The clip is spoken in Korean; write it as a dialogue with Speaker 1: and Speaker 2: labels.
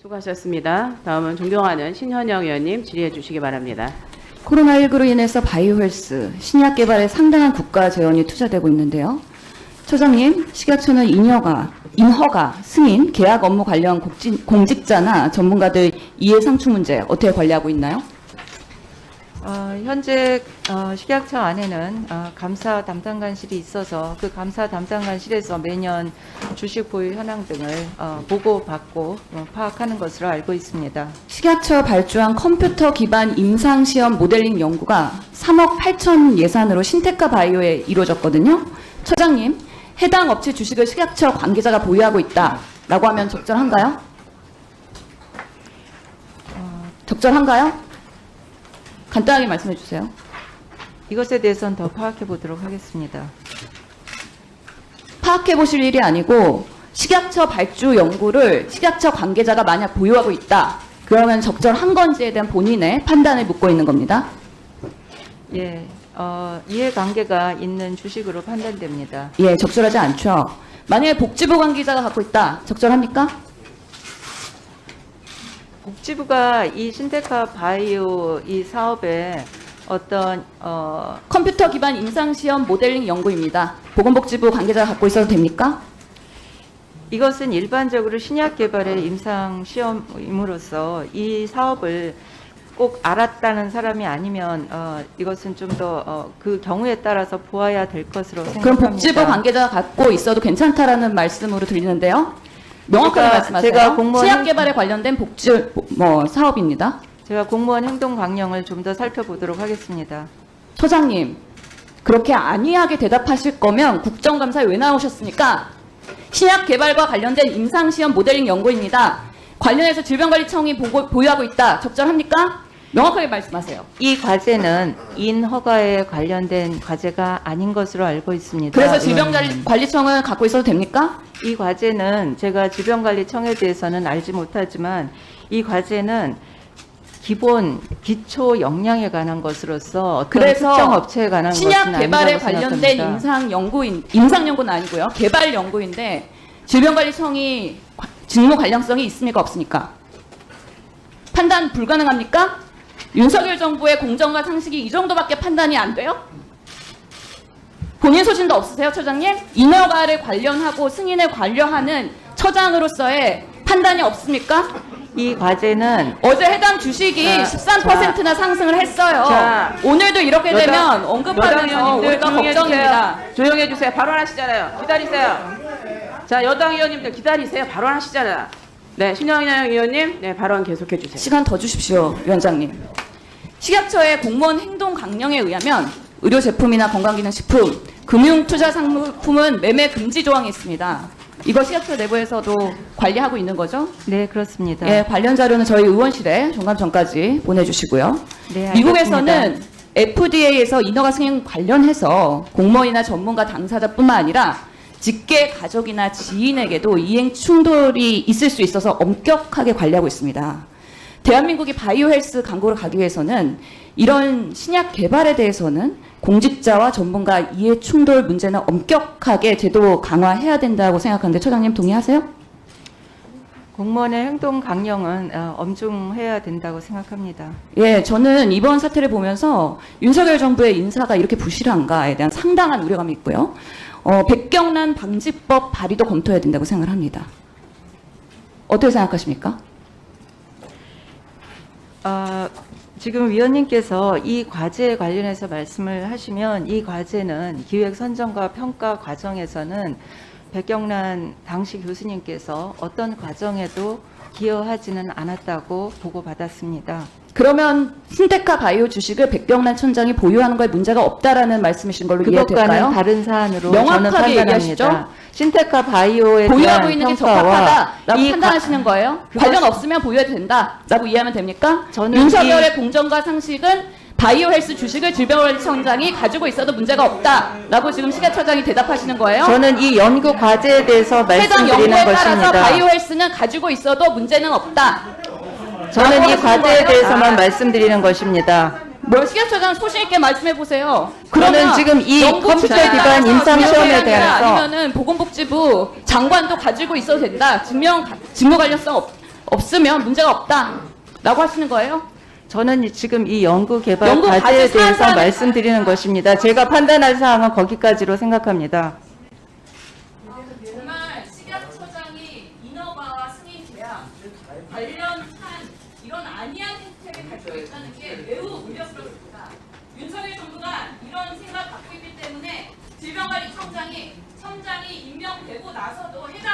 Speaker 1: 수고하셨습니다. 다음은 존경하는 신현영 의원님 질의해 주시기 바랍니다.
Speaker 2: 코로나19로 인해서 바이오헬스, 신약 개발에 상당한 국가 재원이 투자되고 있는데요. 처장님, 식약처는 인허가, 승인, 계약 업무 관련 공직자나 전문가들 이해 상충 문제 어떻게 관리하고 있나요?
Speaker 3: 현재 식약처 안에는 감사 담당관실이 있어서 그 감사 담당관실에서 매년 주식 보유 현황 등을 보고받고 파악하는 것으로 알고 있습니다.
Speaker 2: 식약처 발주한 컴퓨터 기반 임상시험 모델링 연구가 3억 8천 예산으로 신테카 바이오에 이루어졌거든요. 처장님, 해당 업체 주식을 식약처 관계자가 보유하고 있다라고 하면 적절한가요? 적절한가요? 간단하게 말씀해 주세요.
Speaker 3: 이것에 대해서는 더 파악해 보도록 하겠습니다.
Speaker 2: 파악해 보실 일이 아니고 식약처 발주 연구를 식약처 관계자가 만약 보유하고 있다. 그러면 적절한 건지에 대한 본인의 판단을 묻고 있는 겁니다.
Speaker 3: 예, 이해관계가 있는 주식으로 판단됩니다.
Speaker 2: 예, 적절하지 않죠. 만약에 복지부 관계자가 갖고 있다. 적절합니까?
Speaker 3: 복지부가 이 신테카 바이오 이 사업에 어떤
Speaker 2: 컴퓨터 기반 임상시험 모델링 연구입니다. 보건복지부 관계자가 갖고 있어도 됩니까?
Speaker 3: 이것은 일반적으로 신약 개발의 임상 시험임으로써 이 사업을 꼭 알았다는 사람이 아니면 이것은 좀 더 그 경우에 따라서 보아야 될 것으로 생각합니다.
Speaker 2: 그럼 복지부 관계자가 갖고 있어도 괜찮다라는 말씀으로 들리는데요. 명확하게 말씀하세요.
Speaker 3: 제가 공무원
Speaker 2: 치약 개발에 관련된 복지 사업입니다.
Speaker 3: 제가 공무원 행동 강령을 좀 더 살펴보도록 하겠습니다.
Speaker 2: 처장님, 그렇게 안이하게 대답하실 거면 국정감사에 왜 나오셨습니까? 신약 개발과 관련된 임상시험 모델링 연구입니다. 관련해서 질병관리청이 보유하고 있다. 적절합니까? 명확하게 말씀하세요.
Speaker 3: 이 과제는 인허가에 관련된 과제가 아닌 것으로 알고 있습니다.
Speaker 2: 그래서 질병관리청을 갖고 있어도 됩니까?
Speaker 3: 이 과제는 제가 질병관리청에 대해서는 알지 못하지만 이 과제는 기본 기초 역량에 관한 것으로서 어떤
Speaker 2: 그래서
Speaker 3: 특정 업체에 관한 것은
Speaker 2: 신약 개발에
Speaker 3: 아니라고
Speaker 2: 관련된
Speaker 3: 생각합니다.
Speaker 2: 임상 연구는 아니고요. 개발 연구인데 질병관리청이 직무 관련성이 있습니까? 없습니까? 판단 불가능합니까? 윤석열 정부의 공정과 상식이 이 정도밖에 판단이 안 돼요? 본인 소신도 없으세요, 처장님? 인허가를 관련하고 승인에 관련하는 처장으로서의 판단이 없습니까?
Speaker 3: 이 과제는
Speaker 2: 어제 해당 주식이 13%나 상승을 했어요.
Speaker 1: 자,
Speaker 2: 오늘도 이렇게 되면 언급하면서
Speaker 1: 의원님들
Speaker 2: 우리가
Speaker 1: 조용히
Speaker 2: 걱정입니다.
Speaker 1: 해주세요. 조용히 해주세요. 발언하시잖아요. 기다리세요. 자, 여당 의원님들 기다리세요. 발언하시잖아요. 네, 신현영 의원님, 네, 발언 계속해 주세요.
Speaker 2: 시간 더 주십시오, 위원장님. 식약처의 공무원 행동 강령에 의하면 의료 제품이나 건강기능식품, 금융투자 상품은 매매 금지 조항이 있습니다. 이거 식약처 내부에서도 관리하고 있는 거죠?
Speaker 3: 네, 그렇습니다.
Speaker 2: 예, 관련 자료는 저희 의원실에 종감 전까지 보내주시고요.
Speaker 3: 네, 알겠습니다.
Speaker 2: 미국에서는 FDA에서 인허가 승인 관련해서 공무원이나 전문가 당사자뿐만 아니라 직계 가족이나 지인에게도 이행 충돌이 있을 수 있어서 엄격하게 관리하고 있습니다. 대한민국이 바이오헬스 강국으로 가기 위해서는 이런 신약 개발에 대해서는 공직자와 전문가 이해 충돌 문제는 엄격하게 제도 강화해야 된다고 생각하는데 처장님 동의하세요?
Speaker 3: 공무원의 행동 강령은 엄중해야 된다고 생각합니다.
Speaker 2: 예, 저는 이번 사태를 보면서 윤석열 정부의 인사가 이렇게 부실한가에 대한 상당한 우려감이 있고요. 백경란 방지법 발의도 검토해야 된다고 생각을 합니다. 어떻게 생각하십니까?
Speaker 3: 지금 위원님께서 이 과제에 관련해서 말씀을 하시면 이 과제는 기획 선정과 평가 과정에서는 백경란 당시 교수님께서 어떤 과정에도 기여하지는 않았다고 보고받았습니다.
Speaker 2: 그러면 신테카 바이오 주식을 백경란 촌장이 보유하는 거에 문제가 없다라는 말씀이신 걸로 이해될까요?
Speaker 3: 그것과는 다른 사안으로
Speaker 2: 명확하게
Speaker 3: 저는
Speaker 2: 얘기하시죠?
Speaker 3: 판단합니다. 신테카 바이오에
Speaker 2: 보유하고
Speaker 3: 대한
Speaker 2: 있는 게
Speaker 3: 평가와
Speaker 2: 적합하다라고
Speaker 3: 이
Speaker 2: 판단하시는 거예요? 관련 없으면 보유해도 된다라고 이해하면 됩니까?
Speaker 3: 저는
Speaker 2: 윤석열의 공정과 상식은 바이오헬스 주식을 질병관리청장이 가지고 있어도 문제가 없다라고 지금 식약처장이 대답하시는 거예요?
Speaker 3: 저는 이 연구 과제에 대해서
Speaker 2: 해당
Speaker 3: 말씀드리는
Speaker 2: 연구에 따라서
Speaker 3: 것입니다.
Speaker 2: 바이오헬스는 가지고 있어도 문제는 없다.
Speaker 3: 저는 이 과제에 대해서만 말씀드리는 것입니다.
Speaker 2: 뭘 식약처장 소신 있게 말씀해 보세요.
Speaker 3: 저는 지금 이
Speaker 2: 연구
Speaker 3: 컴퓨터
Speaker 2: 주제에
Speaker 3: 기반
Speaker 2: 따라서
Speaker 3: 임상 시험에
Speaker 2: 기업이 아니라
Speaker 3: 대해서
Speaker 2: 아니면은 보건복지부 장관도 가지고 있어도 된다. 직무 관련성 없으면 문제가 없다라고 하시는 거예요?
Speaker 3: 저는 지금 이 연구 개발
Speaker 2: 연구
Speaker 3: 과제에
Speaker 2: 과제
Speaker 3: 대해서
Speaker 2: 사안을
Speaker 3: 말씀드리는 것입니다. 제가 판단할 사항은 거기까지로 생각합니다.
Speaker 2: 정말 식약처장이 인허가와 승인 제한 관련 사안 이런 안이한 혜택을 가지고 있다는 게 매우 우려스럽습니다. 윤석열 정부가 이런 생각 갖고 있기 때문에 질병관리청장이 임명되고 나서도 해당